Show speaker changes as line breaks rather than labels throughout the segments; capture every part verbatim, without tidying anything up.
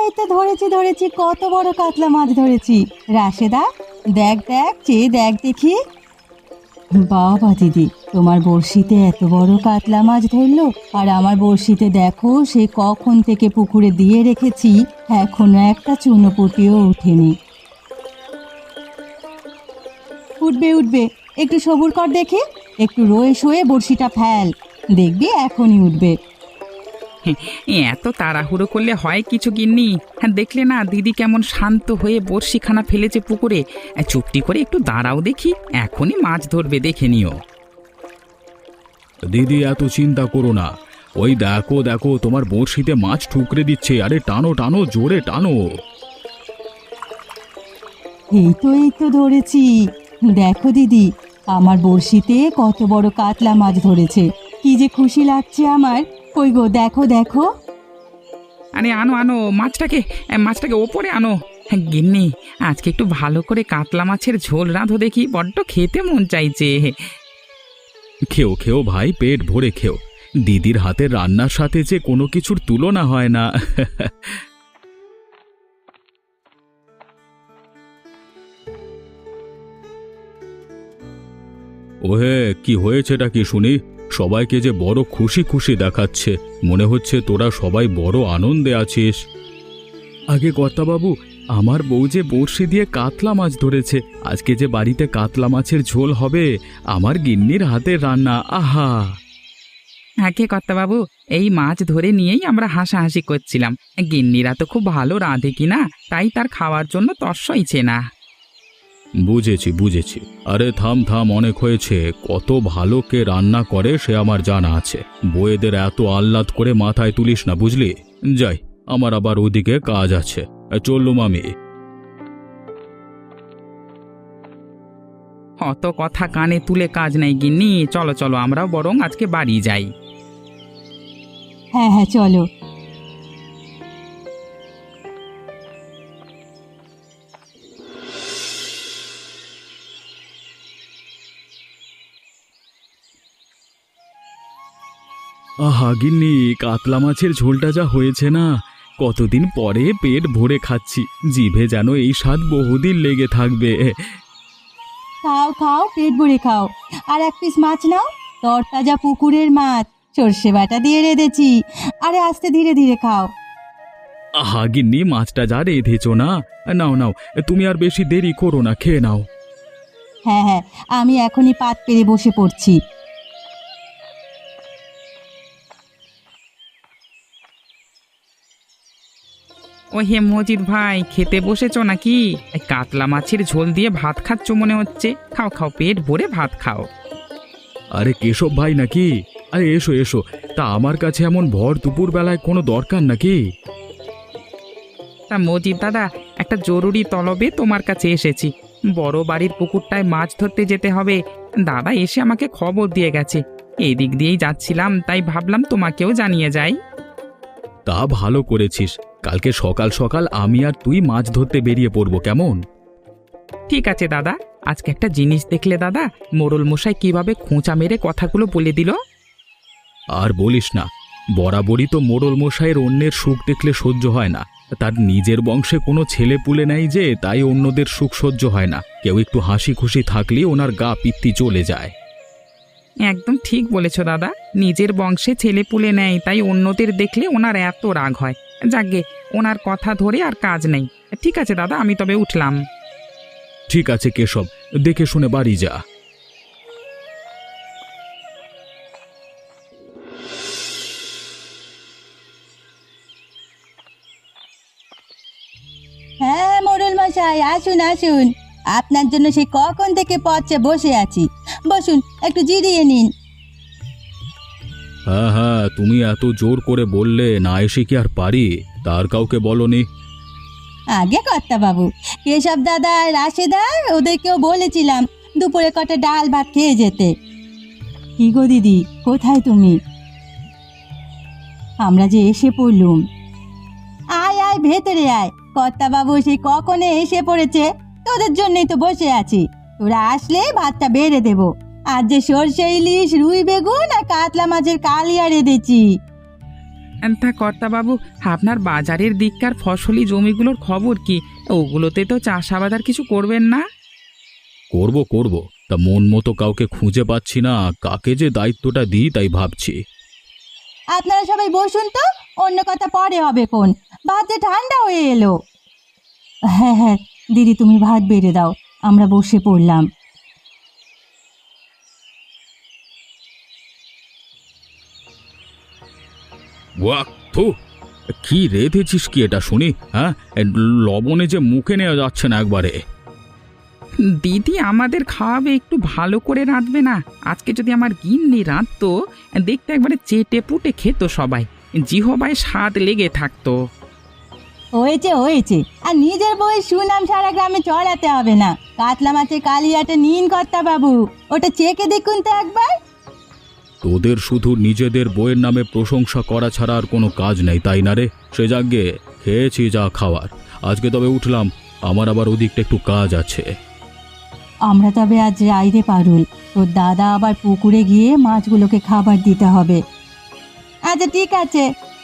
এই তো ধরেছি ধরেছি কত বড় কাতলা মাছ ধরেছি। রাশেদা, দেখ দেখ চেয়ে দেখ দেখি। বাবা দিদি, তোমার বড়শিতে এত বড় কাতলা মাছ ধরলো, আর আমার বড়শিতে দেখো সে কখন থেকে পুকুরে দিয়ে রেখেছি, এখনো একটা চুনোপুঁটিও ওঠেনি। উঠবে উঠবে, একটু সবুর কর দেখি, একটু রয়ে শোয়ে বড়শিটা ফেল, দেখবি এখনই উঠবে।
এত তাড়াহুড়ো করলে হয় কিছু গিন্নি? হ্যাঁ, দেখলে না দিদি কেমন শান্ত হয়ে বড়শিখানা ফেলেছে পুকুরে। চুপটি করে একটু দাঁড়াও দেখি, এখনই মাছ ধরবে, দেখে নিও।
দিদি এত চিন্তা করো না, ওই দেখো দেখো তোমার বড়শিতে মাছ ঠুকরে দিচ্ছে। আরে টানো টানো, জোরে টানো।
এই তো এই তো ধরেছি, দেখো দিদি আমার বড়শিতে কত বড় কাতলা মাছ ধরেছে, কি যে খুশি লাগছে আমার। কই গো, দেখো দেখো।
আরে আনো আনো মাছটাকে, মাছটাকে ওপরে আনো। হ্যাঁ গিন্নি, আজকে একটু ভালো করে কাতলা মাছের ঝোল রাঁধো দেখি, বড্ড খেতে মন চাইছে।
খেও খেও ভাই, পেট ভরে খেও। দিদির হাতের রান্নার সাথে যে কোনো কিছুর তুলনা হয় না। ওহে, কি হয়েছেটা কি শুনি? সবাইকে যে বড় খুশি খুশি দেখাচ্ছে, মনে হচ্ছে তোরা সবাই বড় আনন্দে আছিস। আগে কর্তাবাবু, আমার বউ যে বড়শি দিয়ে কাতলা মাছ ধরেছে, আজকে যে বাড়িতে কাতলা মাছের ঝোল হবে, আমার গিন্নির হাতের রান্না। আহা!
আগে কর্তাবাবু, এই মাছ ধরে নিয়েই আমরা হাসাহাসি করছিলাম। গিন্নিরা তো খুব ভালো রাঁধে কিনা, তাই তার খাওয়ার জন্য তর সইছে না।
বুঝেছি বুঝেছি। আরে থাম থাম, অনেক হয়েছে। কত ভালো কে রান্না করে সে আমার জানা আছে। বউয়েদের এত আহ্লাদ করে মাথায় তুলিস না, বুঝলি? যাই, আমার আবার ওদিকে কাজ আছে। চললুম আমি।
অত কথা কানে তুলে কাজ নেই গিন্নি, চলো চলো আমরাও বরং আজকে বাড়ি যাই।
হ্যাঁ হ্যাঁ চলো।
আহা গিন্নি, কাতলা মাছের ঝোলটা যা হয়েছে না, কতদিন পরে পেট ভরে খাচ্ছি। জিভে যেন এই স্বাদ বহুদিন লেগে থাকবে।
খাও খাও, পেট ভরে খাও। আর এক পিস মাছ নাও, তরতাজা পুকুরের মাছ, সর্ষে বাটা দিয়ে রেঁধেছি। আরে আস্তে ধীরে ধীরে খাও।
আহা গিন্নি, মাছটা যা রেঁধেছ না, নাও নাও, তুমি আর বেশি দেরি করো না, খেয়ে নাও।
হ্যাঁ হ্যাঁ, আমি এখনই পাত পেরে বসে পড়ছি।
ও হে মজিদ ভাই, খেতে বসেছো নাকি? এই কাতলা মাছের ঝোল দিয়ে ভাত খাচ্ছ মনে হচ্ছে। খাও খাও, পেট ভরে ভাত খাও।
আরে কেশব ভাই নাকি? আরে এসো এসো। তা আমার কাছে এমন ভর দুপুর বেলায় কোনো দরকার নাকি?
তা মজিদ দাদা, একটা জরুরি তলবে তোমার কাছে এসেছি। বড় বাড়ির পুকুরটায় মাছ ধরতে যেতে হবে। দাদা এসে আমাকে খবর দিয়ে গেছে। এই দিক দিয়েই যাচ্ছিলাম, তাই ভাবলাম তোমাকেও জানিয়ে যাই।
তা ভালো করেছিস। কালকে সকাল সকাল আমি আর তুই মাছ ধরতে বেরিয়ে পড়বো, কেমন?
ঠিক আছে দাদা। আজকে একটা জিনিস দেখলে দাদা, মোড়ল মশাই কিভাবে খোঁচা মেরে কথাগুলো বলে দিল।
আর বলিস না, বরাবরই তো মোড়ল মশাইয়ের অন্যের সুখ দেখলে সহ্য হয় না। তার নিজের বংশে কোনো ছেলে পুলে নাই যে, তাই অন্যদের সুখ সহ্য হয় না। কেউ একটু হাসি খুশি থাকলে ওনার গা পিত্তি চলে যায়।
একদম ঠিক বলেছ দাদা, নিজের বংশে ছেলে পুলে নেয়, তাই অন্যদের দেখলে ওনার এত রাগ হয়। যাকগে, ওনার কথা ধরে আর কাজ নেই। ঠিক আছে দাদা, আমি তবে উঠলাম।
ঠিক আছে কেশব, দেখে শুনে বাড়ি যা।
হ্যাঁ মোড়ল মশাই, আসুন আসুন, আপনার জন্য সেই কখন থেকে পথে বসে আছি। বসুন, একটু জিরিয়ে নিন।
হ্যাঁ হ্যাঁ, তুমি এত জোর করে বললে, না এসে কি আর পারি? তার কাউকে বলনি?
আগে কর্তা বাবু, কেশব দাদা আর রাশেদা, ওদেরকেও বলেছিলাম দুপুরে কটা ডাল ভাত খেয়ে যেতে। কি গো দিদি, কোথায় তুমি? আমরা যে এসে পড়লুম। আয় আয়, ভেতরে আয়। কর্তা বাবু সেই কখনো এসে পড়েছে, তোদের জন্যই তো বসে আছি। তোরা আসলে ভাতটা বেড়ে দেব। আজ যে সর্ষে ইলিশ, রুই বেগুন আর কাতলা মাছের কালিয়া রেঁধেছি।
তা কর্তাবাবু, আপনার বাজারের দিককার ফসলি জমিগুলোর খবর কি? ওগুলোতে তো চাষাবাদ আর কিছু করবেন না?
করব করব তা মন মতো কাউকে খুঁজে পাচ্ছি না, কাকে যে দায়িত্বটা দিই তাই ভাবছি।
আপনারা সবাই বসুন তো, অন্য কথা পরে হবে কোন। ভাত যে ঠান্ডা হয়ে এলো। হ্যাঁ হ্যাঁ দিদি, তুমি ভাত বেড়ে দাও, আমরা বসে পড়লাম।
ওয়াক থু, কি রেঁধেছিস কি এটা শুনি? হ্যাঁ, এ লবণে যে মুখে নেওয়া যাচ্ছে না একবারে।
দিদি আমাদের খাওয়াবে, একটু ভালো করে রাঁধবে না? আজকে যদি আমার গিন্নি রাঁধতো, দেখতে একবারে চেটে পুটে খেত সবাই, জিহবায় স্বাদ লেগে থাকতো।
হয়েছে হয়েছে, আর নিজের বউয়ের সুনাম সারা গ্রামে চড়াতে হবে না। কাতলা মাছের কালিয়াটা নিন কর্তা বাবু, ওটা চেকে দেখুন তো একবার।
তোদের শুধু নিজেদের বইয়ের নামে প্রশংসা করা ছাড়া আর কোনো কাজ নেই, তাই না রে? সে যাগ্গে খেয়েছি যা খাওয়ার। আজকে তবে উঠলাম, আমার আবার ওদিকটা একটু কাজ আছে।
আমরা তবে আজ রাইরে পারুল, তোর দাদা আবার পুকুরে গিয়ে মাছগুলোকে খাবার দিতে হবে। আচ্ছা ঠিক আছে।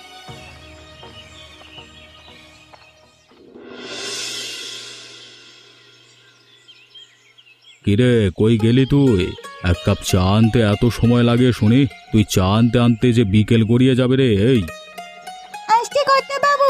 কিরে, কই গেলি তুই? এক কাপ চা আনতে এত সময় লাগে শুনি? তুই চা আনতে আনতে যে বিকেল গড়িয়ে যাবে রে। এই
আসছি কর্তা বাবু,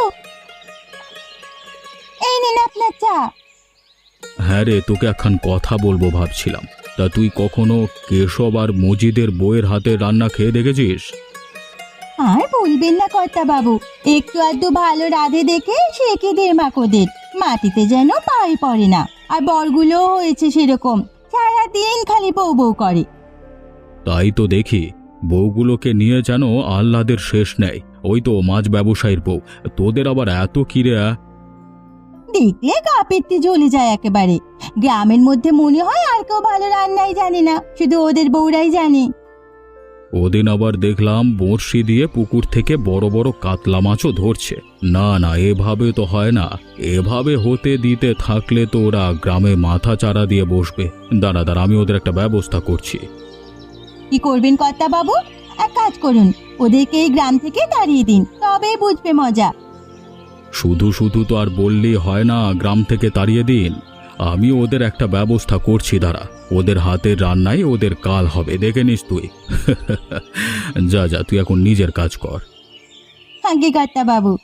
এই নিন আপনার চা।
হ্যাঁ রে, তোকে একখান কথা বলবো ভাবছিলাম। তা তুই কখনো কেশব আর মজিদের বইয়ের হাতে রান্না খেয়ে দেখেছিস?
আর বলবেন না কর্তা বাবু, একটু আধটু ভালো রাধে দেখে শেখে দের মাকোদের, মাটিতে যেন পায়ে পড়ে না। আর বরগুলোও হয়েছে সেরকম, সারাদিন খালি বউ বউ করে।
তাই তো দেখি, বউগুলোকে নিয়ে যেন আহ্লাদের শেষ নেই। ওই তো মাছ ব্যবসায়ীর বউ, তোদের আবার এত কিরে?
দেখলে গা পেটে জ্বলে যায় একেবারে। গ্রামের মধ্যে মনে হয় আর কেউ ভালো রান্নাই জানে না, শুধু ওদের বউরাই জানে।
ওদিন আবার দেখলাম বড়শি দিয়ে পুকুর থেকে বড় বড় কাতলা মাছও ধরছে। না না, এভাবে তো হয় না। এভাবে হতে দিতে থাকলে তো ওরা গ্রামে মাথা চারা দিয়ে বসবে। দাঁড়া দাঁড়া, আমি ওদের একটা ব্যবস্থা করছি।
কি করবেন কর্তা বাবু? এক কাজ করুন, ওদেরকে এই গ্রাম থেকে তাড়িয়ে দিন, তবেই বুঝবে মজা।
শুধু শুধু তো আর বললেই হয় না গ্রাম থেকে তাড়িয়ে দিন। আমি ওদের একটা ব্যবস্থা করছি, দাঁড়া। ওদের হাতের রান্নায় ওদের কাল হবে, দেখে নিস তুই। যা যা, তুই এখন নিজের কাজ কর।
আগে কর্তা বাবু।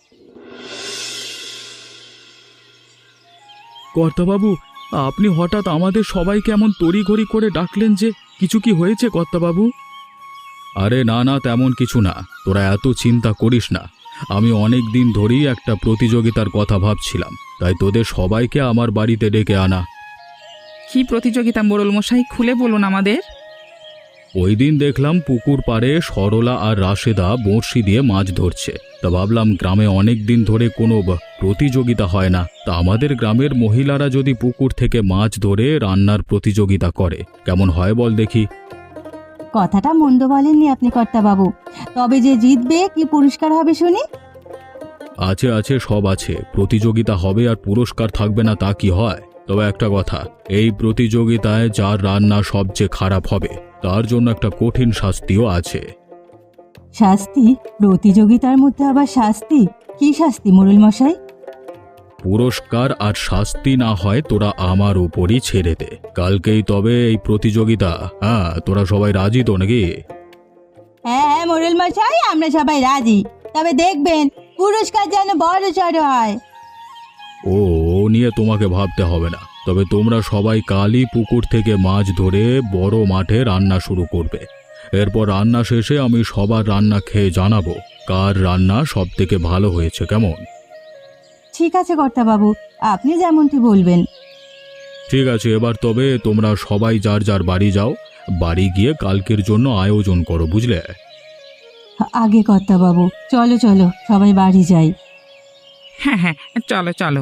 কর্তাবাবু, আপনি হঠাৎ আমাদের সবাইকে এমন তড়িঘড়ি করে ডাকলেন যে, কিছু কি হয়েছে কর্তাবাবু? আরে না না, তেমন কিছু না, তোরা এত চিন্তা করিস না। আমি অনেক দিন ধরেই একটা প্রতিযোগিতার কথা ভাবছিলাম, তাই তোদের সবাইকে আমার বাড়িতে ডেকে আনা।
কি প্রতিযোগিতা মোড়ল মশাই, খুলে বলুন আমাদের।
ওই দিন দেখলাম পুকুর পাড়ে সরলা আর রাশেদা বড়শি দিয়ে মাছ ধরছে। তা ভাবলাম গ্রামে অনেক দিন ধরে কোনো ব- প্রতিযোগিতা হয় না, তা আমাদের গ্রামের মহিলারা যদি পুকুর থেকে মাছ ধরে রান্নার প্রতিযোগিতা করে, কেমন হয় বল দেখি?
কথাটা মন্দ বলেননি আপনি কর্তা বাবু, তবে যে জিতবে কি পুরস্কার হবে শুনি?
আছে আছে, সব আছে। প্রতিযোগিতা হবে আর পুরস্কার থাকবে না তা কি হয়? তবে একটা কথা, এই প্রতিযোগিতায় যার রান্না সবচেয়ে খারাপ হবে তার জন্য একটা কঠিন শাস্তিও আছে।
শাস্তি? প্রতিযোগিতার মধ্যে আবার শাস্তি? কি শাস্তি মোড়ল মশাই?
পুরস্কার আর শাস্তি না হয় তোরা আমার উপরই ছেড়ে দে। কালকেই তবে এই প্রতিযোগিতা। হ্যাঁ, তোরা সবাই রাজি তো নাকি?
হ্যাঁ হ্যাঁ মোড়ল মশাই, আমরা সবাই রাজি, তবে দেখবেন পুরস্কার যেন বড় সড় হয়।
ও ও নিয়ে তোমাকে ভাবতে হবে না। তবে তোমরা সবাই কালই পুকুর থেকে মাছ ধরে বড় মাঠে রান্না শুরু করবে। এরপর রান্না শেষে আমি সবার রান্না খেয়ে জানাবো কার রান্না সব থেকে ভালো হয়েছে। কেমন?
ঠিক আছে কর্তা বাবু, আপনি যেমনটি বলবেন।
ঠিক আছে, এবার তবে তোমরা সবাই যার যার বাড়ি যাও। বাড়ি গিয়ে কালকের জন্য আয়োজন করো, বুঝলে?
আগে কর্তা বাবু, চলো চলো সবাই বাড়ি যাই।
হ্যাঁ হ্যাঁ, চলো চলো।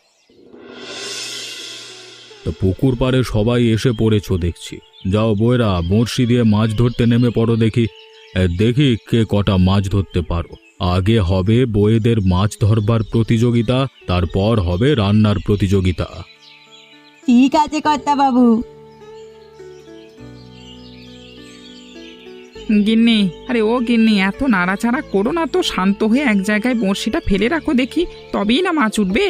তো পুকুর পাড়ে সবাই এসে পড়েছো দেখছি। যাও বউয়েরা, বড়শি দিয়ে মাছ ধরতে নেমে পড়ো দেখি। এ, দেখি কে কটা মাছ ধরতে পারো। আগে হবে বউয়েদের মাছ ধরবার প্রতিযোগিতা, তারপর হবে রান্নার প্রতিযোগিতা।
ঠিক আছে কর্তা বাবু।
গিন্নি, আরে ও গিন্নি, এত নাড়াচাড়া করো না তো, শান্ত হয়ে এক জায়গায় বড়শিটা ফেলে রাখো দেখি, তবেই না মাছ উঠবে।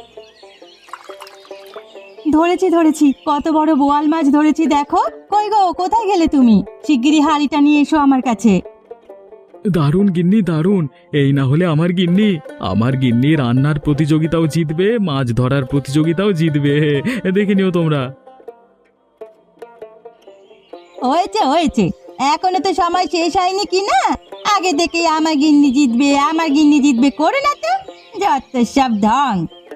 ধরেছি ধরেছি, কত বড় বোয়াল মাছ ধরেছি দেখো। কই গো, কোথায় গেলে তুমি? শিগগিরই হাঁড়িটা নিয়ে এসো আমার কাছে।
দারুণ গিন্নি দারুণ, এই না হলে আমার গিন্নি আমার গিন্নি রান্নার প্রতিযোগিতাও জিতবে, মাছ ধরার প্রতিযোগিতাও জিতবে, দেখে নিও তোমরা।
হয়েছে হয়েছে, এখনো তো সময় শেষ হয়নি কি না? আগে থেকে আমার গিন্নি জিতবে, আমার গিন্নি জিতবে করে না তো, যত সব ঢং।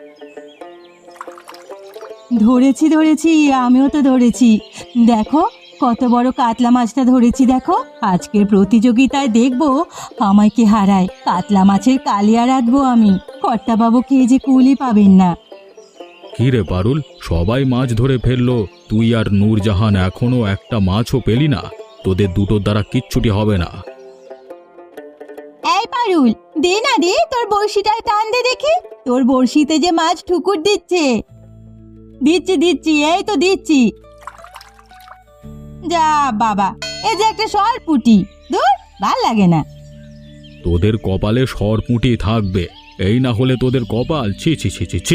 ধরেছি ধরেছি, আমিও তো ধরেছি। দেখো কত বড় কাতলা মাছটা ধরেছি দেখো। আজকের প্রতিযোগিতায় দেখবো আমায় কে হারায়। কাতলা মাছের কালিয়া রাঁধবো আমি, কর্তাবাবু কে যে কুলি পাবেন না।
কি রে পারুল, সবাই মাছ ধরে ফেললো, তুই আর নূরজাহান এখনো একটা মাছও পেলি না। তোদের দুটোর দ্বারা কিচ্ছুটি হবে না।
এই পারুল, দে না দে, তোর বড়শিটায় টান দে দেখি। তোর বড়শিতে যে মাছ ঠুকুর দিচ্ছে। দিচ্ছি দিচ্ছি, এই তো দিচ্ছি। যা বাবা, এই যে একটা সরপুটি, দূর ভাল লাগে না।
তোদের কপালে সরপুঁটি থাকবে, এই না হলে তোদের কপাল ছি ছি ছি ছি ছি।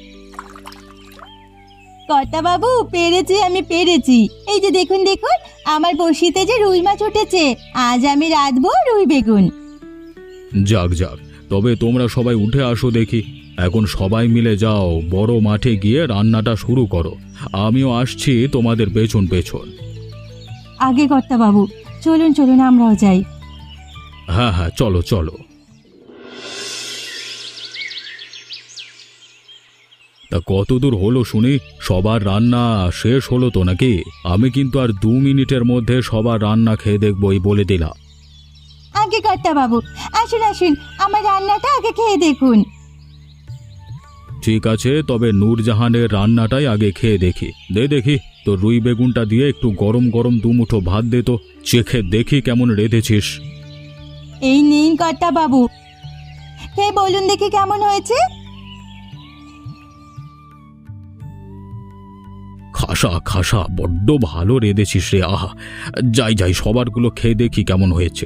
কর্তা বাবু, পেরেছি আমি পেরেছি। এই যে দেখুন দেখুন, আমার বড়শিতে যে রুই মাছ উঠেছে। আজ আমি রাঁধবো রুই বেগুন।
যাক যাক, তবে তোমরা সবাই উঠে আসো দেখি। এখন সবাই মিলে যাও, বড় মাঠে গিয়ে রান্নাটা শুরু করো। আমিও আসছি তোমাদের পেছন পেছন।
আগে কর্তা বাবু, চলুন চলুন আমরাও যাই।
হ্যাঁ হ্যাঁ, চলো চলো। তা কত দূর হলো শুনি? সবার রান্না শেষ হলো তো নাকি? আমি কিন্তু আর দু মিনিটের মধ্যে সবার রান্না খেয়ে দেখবো, এই বলে দিলাম।
আগে কর্তা বাবু, আসুন আসুন, আমার রান্নাটা আগে খেয়ে দেখুন।
ঠিক আছে, তবে নূরজাহানের রান্নাটাই আগে খেয়ে দেখি। দে দেখি, তো রুই বেগুনটা দিয়ে একটু গরম গরম দুমুঠো ভাত দে তো, চেখে দেখি কেমন রেঁধেছিস।
এই নিন কর্তা বাবু, খেয়ে বলুন দেখি কেমন হয়েছে।
খাসা খাসা, বড্ড ভালো রেঁধেছিস রে। আহা, যাই যাই, সবারগুলো খেয়ে দেখি কেমন হয়েছে।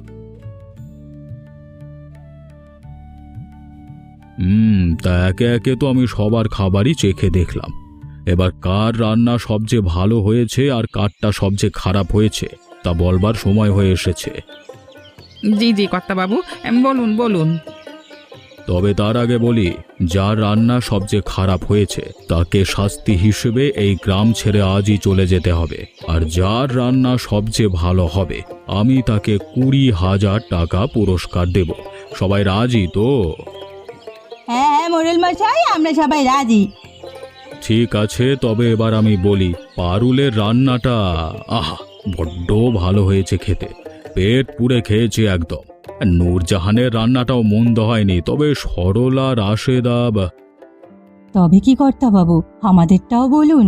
হুম, তা একে একে তো আমি সবার খাবারই চেখে দেখলাম। এবার কার রান্না সবচেয়ে ভালো হয়েছে আর কারটা সবচেয়ে খারাপ হয়েছে তা বলবার সময় হয়ে এসেছে।
জি জি কর্তাবাবু, এম, বলুন বলুন।
তবে তার আগে বলি, যার রান্না সবচেয়ে খারাপ হয়েছে তাকে শাস্তি হিসেবে এই গ্রাম ছেড়ে আজই চলে যেতে হবে। আর যার রান্না সবচেয়ে ভালো হবে আমি তাকে কুড়ি হাজার টাকা পুরস্কার দেব। সবাই রাজি তো?
হ্যাঁ হ্যাঁ মোড়ল মশাই, আমরা সবাই রাজি।
ঠিক আছে, তবে এবার আমি বলি, পারুলের রান্নাটা আহা বড্ড ভালো হয়েছে খেতে, পেট পুড়ে খেয়েছে একদম। নূরজাহানের রান্নাটাও মন্দ হয়নি, তবে সরলা রাশেদা বা-
তবে কি কর্তা বাবু, আমাদেরটাও বলুন।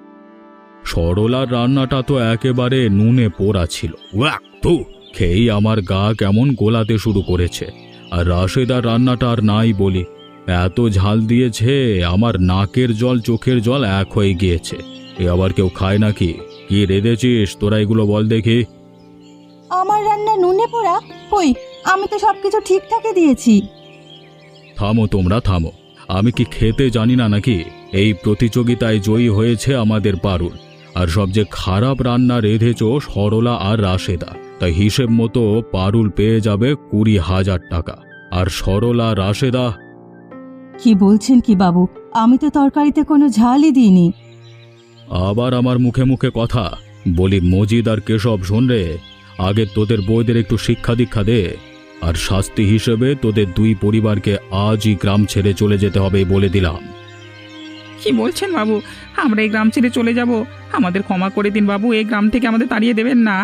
সরলার রান্নাটা তো একেবারে নুনে পোড়া ছিল। ওয়াক তো, খেয়েই আমার গা কেমন গোলাতে শুরু করেছে। আর রাশেদার রান্নাটা আর নাই বলি, এত ঝাল দিয়েছে আমার নাকের জল চোখের জল এক হয়ে গিয়েছে। এ আবার কেউ খায় নাকি? কি রেঁধেছিস তোরা, এগুলো বল দেখি।
আমার রান্না নুনে পোড়া? কই, আমি তো সবকিছু ঠিকঠাকই দিয়েছি।
থামো তোমরা থামো, আমি কি খেতে জানি না নাকি? এই প্রতিযোগিতায় জয়ী হয়েছে আমাদের পারুল, আর সবচেয়ে খারাপ রান্না রেঁধেছ সরলা আর রাশেদা। তাই হিসেব মতো পারুল পেয়ে যাবে কুড়ি হাজার টাকা, আর সরলা রাশেদা।
কি বলছেন কি বাবু, আমি তো তরকারিতে কোনো ঝালই দিইনি।
আবার আমার মুখে মুখে কথা বলি, মজিদ আর কেশব শোন রে, আগে তোদের বউদের একটু শিক্ষা দীক্ষা দে। আর শাস্তি হিসেবে তোদের দুই পরিবারকে আজই গ্রাম ছেড়ে চলে যেতে হবে বলে দিলাম।
কি বলছেন বাবু, আমরা এই গ্রাম ছেড়ে চলে যাব? আমাদের ক্ষমা করে দিন বাবু, এই গ্রাম থেকে আমাদের তাড়িয়ে দেবেন না।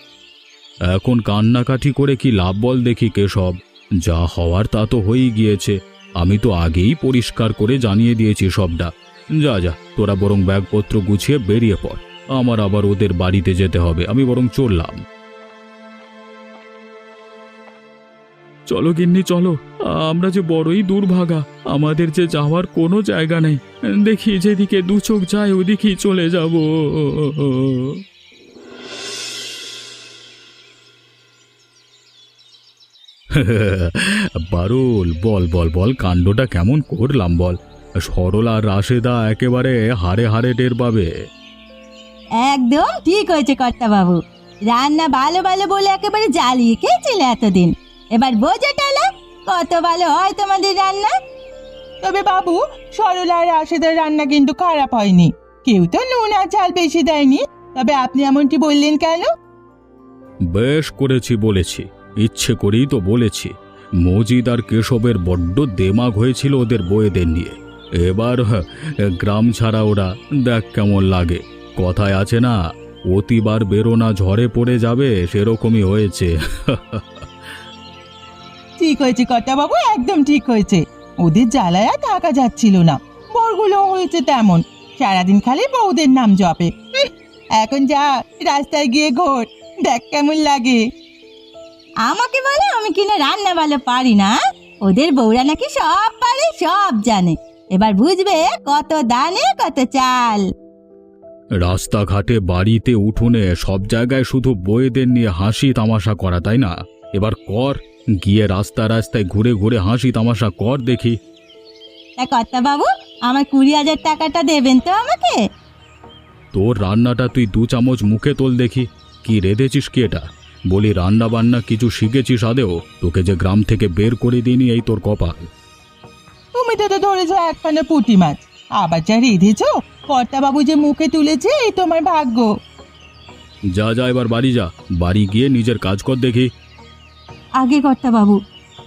এখন কান্নাকাটি করে কি লাভ বল দেখি কেশব? যা হওয়ার তা তো হয়েই গিয়েছে, আমি তো আগেই পরিষ্কার করে জানিয়ে দিয়েছি সবটা। যা যা, তোরা বরং ব্যাগপত্র গুছিয়ে বেরিয়ে পড়, আমার আবার ওদের বাড়িতে যেতে হবে। আমি বরং চললাম। চলো গিন্নি চলো, আমরা যে বড়ই দুর্ভাগা, আমাদের যে যাওয়ার কোনো জায়গা নেই। দেখি যেদিকে দু চোখ যায় ওদিকেই চলে যাব। পারুল, বল বল বল কাণ্ডটা কেমন করলাম বল। সরলা আর রাশেদা একেবারে হারে হারে টের পাবে।
একদম ঠিক হয়েছে কর্তা বাবু, রান্না ভালো ভালো বলে একেবারে জ্বালিয়ে খেয়েছিলে এতদিন, এবার বোঝো টালা কত ভালো হয় তোমাদের রান্না।
তবে বাবু, সরলা আর রাশেদার রান্না কিন্তু খারাপ হয়নি, কেউ তো নুন আর ঝাল বেশি দেয়নি। তবে আপনি এমনটি বললেন কেন?
বেশ করেছি বলেছি, ইচ্ছে করেই তো বলেছি। মজিদ আর কেশবের বড্ড দেমাগ হয়েছিল ওদের বউয়েদের নিয়ে। এবার হ্যাঁ, গ্রাম ছাড়া ওরা দেখ কেমন লাগে। কথায় আছে না, অতিবার বেরোনা ঝড়ে পড়ে যাবে, সেরকমই হয়েছে।
ঠিক হয়েছে কর্তা বাবু, একদম ঠিক হয়েছে। ওদের জ্বালায় আর থাকা যাচ্ছিল না। বরগুলো হয়েছে তেমন, সারাদিন খালি বউদের নাম জপে। হুঁ, এখন যা রাস্তায় গিয়ে ঘোর, দেখ কেমন লাগে।
আমাকে বলে আমি কিনা রান্না ভালো পারি না, ওদের বউরা নাকি সব পারে সব জানে। এবার বুঝবে কত দানে কত চাল।
রাস্তাঘাটে বাড়িতে উঠোনে সব জায়গায় শুধু বউয়েদের নিয়ে হাসি তামাশা করা, তাই না? এবার কর, গিয়ে রাস্তা রাস্তায় ঘুরে ঘুরে হাসি তামাশা কর দেখি।
তা কর্তা বাবু, আমার কুড়ি হাজার টাকাটা দেবেন তো আমাকে?
তোর রান্নাটা তুই দু চামচ মুখে তোল দেখি। কি রেঁধেছিস কি এটা? বলি রান্না বান্না কিছু শিখেছিস আদেও? তোকে যে গ্রাম থেকে বের করে দিইনি এই তোর কপাল।
তুমি তো তো ধরেছ একখানা পুঁটি মাছ, আবার যা রেঁধেছ কর্তা বাবু যে মুখে তুলেছে, এই তোমার ভাগ্য।
যা যা এবার বাড়ি যা, বাড়ি গিয়ে নিজের কাজ কর দেখি।
আগে কর্তা বাবু।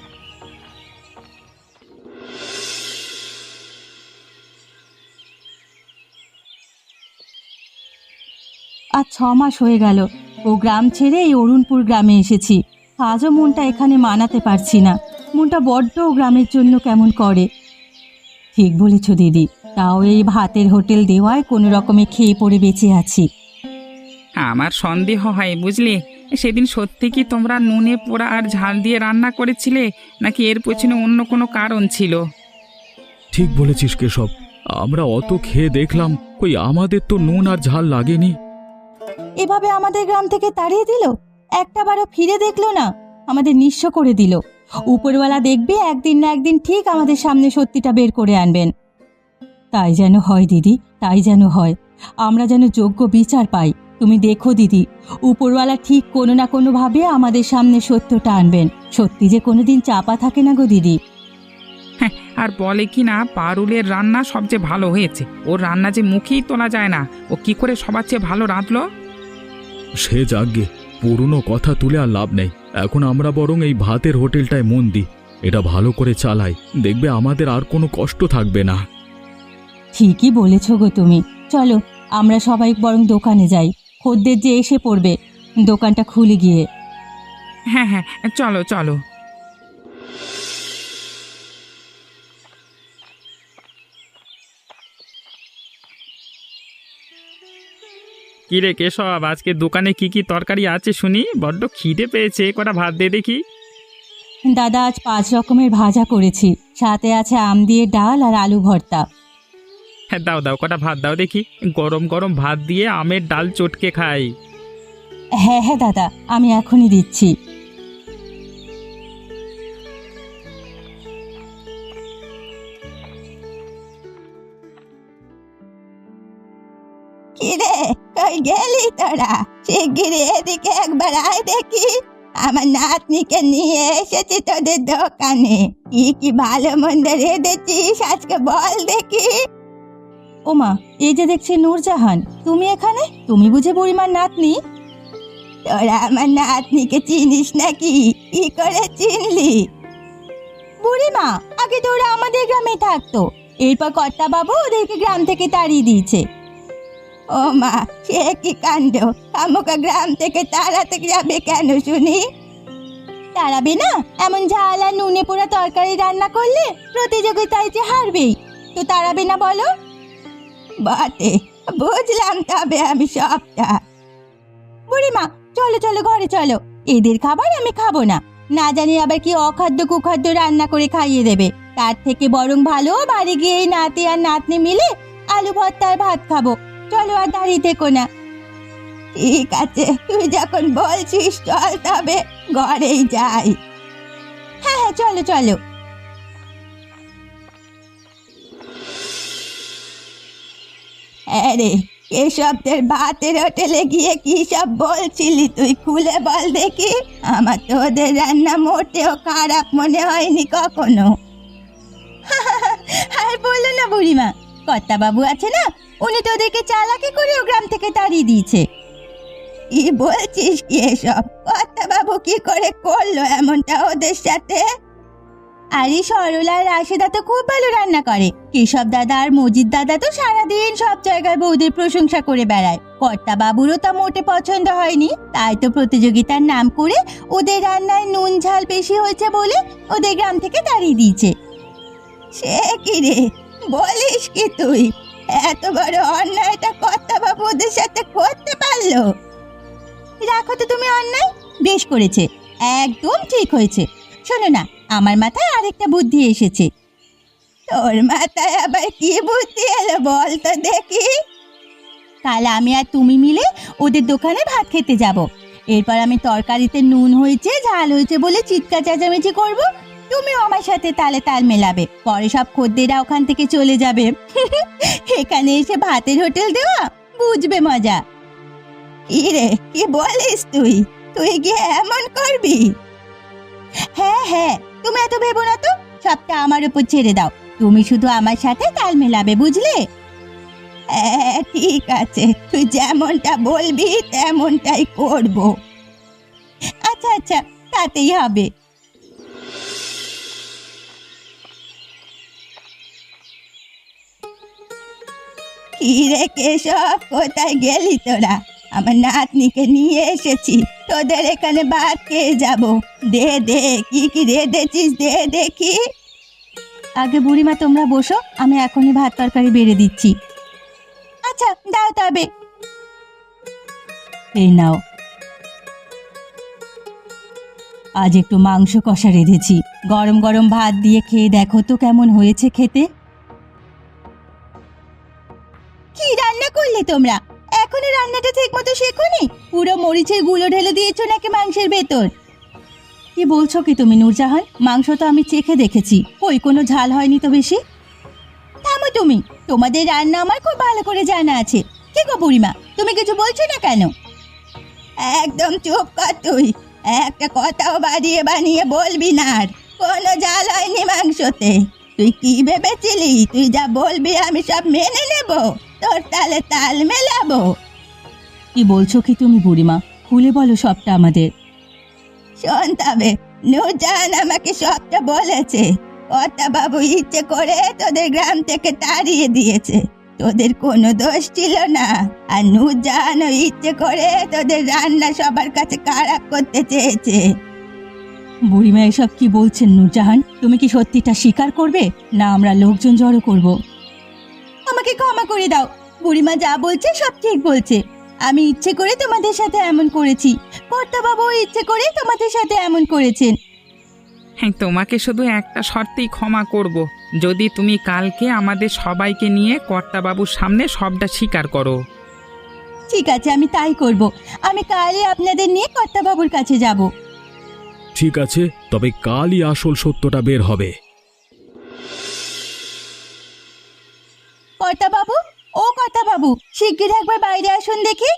আজ ছ মাস হয়ে গেল ও গ্রাম ছেড়ে এই অরুণপুর গ্রামে এসেছি। আজও মনটা এখানে মানাতে পারছি না। মনটা বড্ড ও গ্রামের জন্য কেমন করে। ঠিক বলেছ দিদি, তাও এই ভাতের হোটেল দেওয়ায় কোনো রকমে খেয়ে পড়ে বেঁচে আছি।
আমার সন্দেহ হয় বুঝলে, সেদিন সত্যি কি তোমরা নুনে পোড়া আর ঝাল দিয়ে রান্না করেছিলে, নাকি এর পেছনে অন্য কোনো কারণ ছিল?
ঠিক বলেছিস কেশব, আমরা অত খেয়ে দেখলাম, কই আমাদের তো নুন আর ঝাল লাগেনি।
এভাবে আমাদের গ্রাম থেকে তাড়িয়ে দিল, একটাবারও ফিরে দেখলো না, আমাদের নিঃস্ব করে দিল। উপরওয়ালা দেখবে একদিন না একদিন ঠিক আমাদের সামনে সত্যিটা বের করে আনবেন। তাই যেন হয় দিদি, তাই যেন হয়। আমরা যেন যোগ্য বিচার পাই। তুমি দেখো দিদি, উপরওয়ালা ঠিক কোনো না কোনোভাবে আমাদের সামনে সত্যটা আনবেন। সত্যি যে কোনোদিন চাপা থাকে না গো দিদি।
হ্যাঁ, আর বলে কি না পারুলের রান্না সবচেয়ে ভালো হয়েছে। ওর রান্না যে মুখেই তোলা যায় না, ও কি করে সবার চেয়ে ভালো রাঁধলো।
সে যাগ্গে, পুরনো কথা তুলে আর লাভ নেই। এখন আমরা বরং এই ভাতের হোটেলটায় মন দিই, এটা ভালো করে চালাই, দেখবে আমাদের আর কোনো কষ্ট থাকবে না।
ঠিকই বলেছ গো তুমি। চলো আমরা সবাই বরং দোকানে যাই, খদ্দের যে এসে পড়বে, দোকানটা খুলে গিয়ে।
হ্যাঁ হ্যাঁ, চলো চলো। কিরে কেশব, আজকে দোকানে কি কি তরকারি আছে শুনি? বড্ড খিদে পেয়েছে, কটা ভাত দে দেখি।
দাদা আজ পাঁচ রকমের ভাজা করেছি, সাথে আছে আম দিয়ে ডাল আর আলু ভর্তা।
হ্যাঁ দাও দাও, কটা ভাত দাও দেখি। গরম গরম ভাত দিয়ে আমের ডাল চটকে খাই।
হ্যাঁ হ্যাঁ দাদা, আমি এখনই দিচ্ছি। কিরে, কই গেলি তোরা? শিগগিরি এদিকে একবার আয় দেখি। আমার নাতনিকে নিয়ে এসেছি তোদের দোকানে। কি কি ভালো মন্দ রেঁধেছিস আজকে বল দেখি। ওমা, এই যে দেখছি নূরজাহান, তুমি এখানে? তুমি বুঝে বুড়িমার নাতনি? তোরা আমার নাতনিকে চিনিস নাকি? কি করে চিনলি? বুড়িমা, আগে তোরা আমাদের গ্রামে থাকতো, এরপর কর্তা বাবু ওদেরকে গ্রাম থেকে তাড়িয়ে দিয়েছে। ও মা, সে কি কাণ্ড! আমুকা গ্রাম থেকে তাড়াতে যাবে কেন শুনি? তাড়াবে না? এমন ঝাল আর নুনে পোড়া তরকারি রান্না করলে প্রতিযোগিতায় যে হারবেই, তো তাড়াবে না বলো? বটে, বুঝলাম তবে আমি সবটা। বুড়িমা চলো চলো ঘরে চলো, এদের খাবার আমি খাবো না। না জানি আবার কি অখাদ্য কুখাদ্য রান্না করে খাইয়ে দেবে। তার থেকে বরং ভালো বাড়ি গিয়ে এই নাতি আর নাতনি মিলে আলু ভর্তা আর ভাত খাবো। চলো আর দাঁড়িয়ে থেকো না। ঠিক আছে, তুই যখন বলছিস চল তবে ঘরেই যাই। হ্যাঁ চলো চলো। আরে কেশবদের ভাতের হোটেলে গিয়ে কি সব বলছিলি তুই, খুলে বল দেখি। আমার তো ওদের রান্না মোটেও খারাপ মনে হয়নি কখনো। আর বললো না বুড়িমা, কর্তা বাবু আছে না, উনি তো ওদেরকে চালাকি করে ও গ্রাম থেকে তাড়িয়ে দিয়েছে। কি বলছিস কি এসব? কর্তা বাবু কি করে করলো এমনটা ওদের সাথে? আরে সরলা আর রাশেদা তো খুব ভালো রান্না করে। কেশব দাদা আর মজিদ দাদা তো সারাদিন সব জায়গায় বৌদের প্রশংসা করে বেড়ায়। কর্তা বাবুরও তা মোটে পছন্দ হয়নি, তাই তো প্রতিযোগিতার নাম করে ওদের রান্নায় নুন ঝাল বেশি হয়েছে বলে ওদের গ্রাম থেকে তাড়িয়ে দিয়েছে। সে কি রে, বলিস কি তুই? এত বড় অন্যায়টা কর্তা বাবু ওদের সাথে করতে পারলো? রাখো তো তুমি অন্যায়, বেশ করেছে, একদম ঠিক হয়েছে। শোনো না, আমার মাথায় আরেকটা বুদ্ধি এসেছে। তোর মাথায় আবার কি বুদ্ধি এলো বল তো দেখি। কাল আমি আর তুমি মিলে ওদের দোকানে ভাত খেতে যাব। এরপর আমি তরকারিতে নুন হয়েছে ঝাল হয়েছে বলে চিৎকার চেঁচামেচি করব, তুমিও আমার সাথে তালে তাল মেলাবে। পরে সব খদ্দেরা ওখান থেকে চলে যাবে। এখানে এসে ভাতের হোটেল দেওয়া, বুঝবে মজা। কি রে, কি বলিস তুই? তুই গিয়ে এমন করবি? হ্যাঁ হ্যাঁ, তুমি এত ভেবো না তো, সবটা আমার উপর ছেড়ে দাও। তুমি শুধু আমার সাথে তাল মেলাবে, বুঝলে? হ্যাঁ ঠিক আছে, তুই যেমনটা বলবি তেমনটাই করব। আচ্ছা আচ্ছা, তাতেই হবে। কি রে কেশব, কোথায় গেলি তোরা? আমার নাতনিকে নিয়ে এসেছি, তোদের এখানে ভাত খেয়ে যাব। দে দে, কি কি রেঁধেছিস দে দেখি। আগে বুড়িমা তোমরা বসো, আমি এখনই ভাত তরকারি বেড়ে দিচ্ছি। আচ্ছা দাও তবে। এই নাও, আজ একটু মাংস কষা রেঁধেছি, গরম গরম ভাত দিয়ে খেয়ে দেখো তো কেমন হয়েছে খেতে। কি রান্না করলে তোমরা? এখনো রান্নাটা ঠিক মতো শেখোনি? পুরো মরিচের গুঁড়ো ঢেলে দিয়েছো নাকি মাংসের ভেতর? কি বলছো কি তুমি নূরজাহান? মাংস তো আমি চেখে দেখেছি, ওই কোনো ঝাল হয়নি তো বেশি। থামো তুমি, তোমাদের রান্না আমার খুব ভালো করে জানা আছে। কি গো বুড়িমা, তুমি কিছু বলছো না কেন? একদম চুপ কর তুই, একটা কথাও বাড়িয়ে বানিয়ে বলবি না। আর কোনো ঝাল হয়নি মাংসতে। তুই কি ভেবেছিলি তুই যা বলবি আমি সব মেনে নেব, তোর তালে তাল মেলাবো? কি বলছো কি তুমি বুড়িমা, খুলে বলো সবটা আমাদের। শোন তবে, নূরজাহান আমাকে সবটা বলেছে। কর্তা বাবু ইচ্ছে করে তোদের গ্রাম থেকে তাড়িয়ে দিয়েছে, তোদের কোনো দোষ ছিল না। আর নূরজাহানও ইচ্ছে করে তোদের রান্না সবার কাছে খারাপ করতে চেয়েছে। বুড়িমা এসব কি বলছেন নূরজাহান? তুমি কি সত্যিটা স্বীকার করবে, না আমরা লোকজন জড়ো করব? আমাকে ক্ষমা করে দাও, বুড়িমা যা বলছে সব ঠিক বলছে। আমি ইচ্ছে করে তোমাদের সাথে এমন করেছি, কর্তা বাবু ইচ্ছে করে তোমাদের সাথে এমন করেছেন।
হ্যাঁ, তোমাকে শুধু একটা শর্তেই ক্ষমা করব, যদি তুমি কালকে আমাদের সবাইকে নিয়ে কর্তাবাবুর সামনে সবটা স্বীকার করো।
ঠিক আছে, আমি তাই করব। আমি কালই আপনাদের নিয়ে কর্তা বাবুর কাছে যাব।
ঠিক আছে, তবে কালই আসল সত্যটা বের হবে।
কর্তা বাবু, ও কর্তা বাবু, শিগগির একবার বাইরে আসুন দেখি।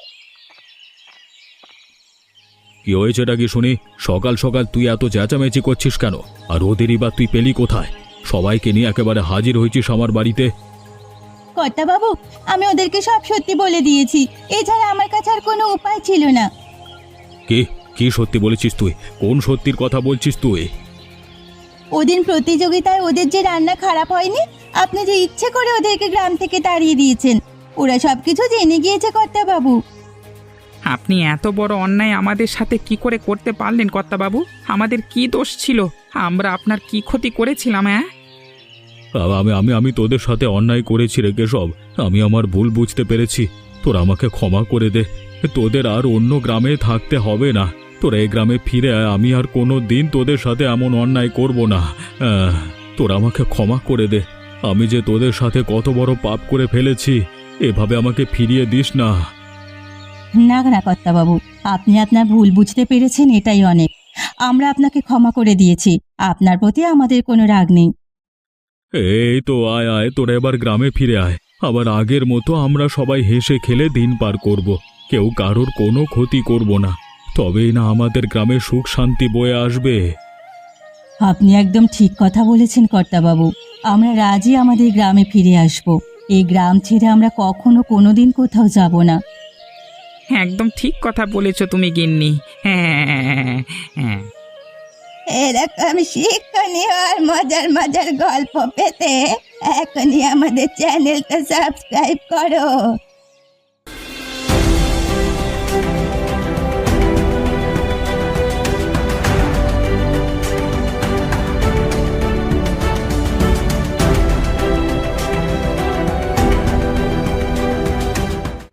কি হয়েছেটা কি শুনি? সকাল সকাল তুই এত চেঁচামেচি করছিস কেন? আর ওদেরই বা তুই পেলি কোথায়? সবাইকে নিয়ে একেবারে হাজির হয়েছিস আমার বাড়িতে।
কর্তা বাবু, আমি ওদেরকে সব সত্যি বলে দিয়েছি, এছাড়া আমার কাছে আর কোনো উপায় ছিল না।
কি কি সত্যি বলেছিস তুই? কোন সত্যির কথা বলছিস তুই?
ওদিন প্রতিযোগিতায় ওদের যে রান্না খারাপ হয়নি, আপনি যে ইচ্ছে করে ওদেরকে গ্রাম থেকে তাড়িয়ে দিয়েছেন, ওরা সবকিছু জেনে গিয়েছে কর্তা বাবু।
আপনি এত বড় অন্যায় আমাদের সাথে কি করে করতে পারলেন কর্তাবাবু? আমাদের কি দোষ ছিল? আমরা আপনার কি ক্ষতি করেছিলাম? হ্যাঁ,
আমি আমি আমি তোদের সাথে অন্যায় করেছি রে কেশব, আমি আমার ভুল বুঝতে পেরেছি। তোরা আমাকে ক্ষমা করে দে। তোদের আর অন্য গ্রামে থাকতে হবে না, তোরা এই গ্রামে ফিরে আয়। আমি আর কোনো দিন তোদের সাথে এমন অন্যায় করব না। আহ, তোরা আমাকে ক্ষমা করে দে। আমি যে তোদের সাথে কত বড় পাপ করে ফেলেছি, এভাবে আমাকে ফিরিয়ে দিস না।
না না কর্তা বাবু, আপনি আপনার ভুল বুঝতে পেরেছেন, এটাই অনেক। আমরা আপনাকে ক্ষমা করে দিয়েছি, আপনার প্রতি আমাদের কোনো রাগ নেই।
এই তো আয় আয় তোরা এবার গ্রামে ফিরে আয়। আবার আগের মতো আমরা সবাই হেসে খেলে দিন পার করব। কেউ কারোর কোনো ক্ষতি করব না, তবেই না আমাদের গ্রামে সুখ শান্তি বয়ে আসবে।
আপনি একদম ঠিক কথা বলেছেন কর্তাবাবু। আমরা রাজি আমাদের গ্রামে ফিরে আসব। এই গ্রাম ছেড়ে আমরা কখনো কোনোদিন কোথাও যাব না।
হ্যাঁ, একদম ঠিক কথা বলেছো তুমি গিন্নি। হ্যাঁ হ্যাঁ।
এরকম শিক্ষণীয় আর মজার মজার গল্প পেতে এখনই আমাদের চ্যানেলটা সাবস্ক্রাইব করো।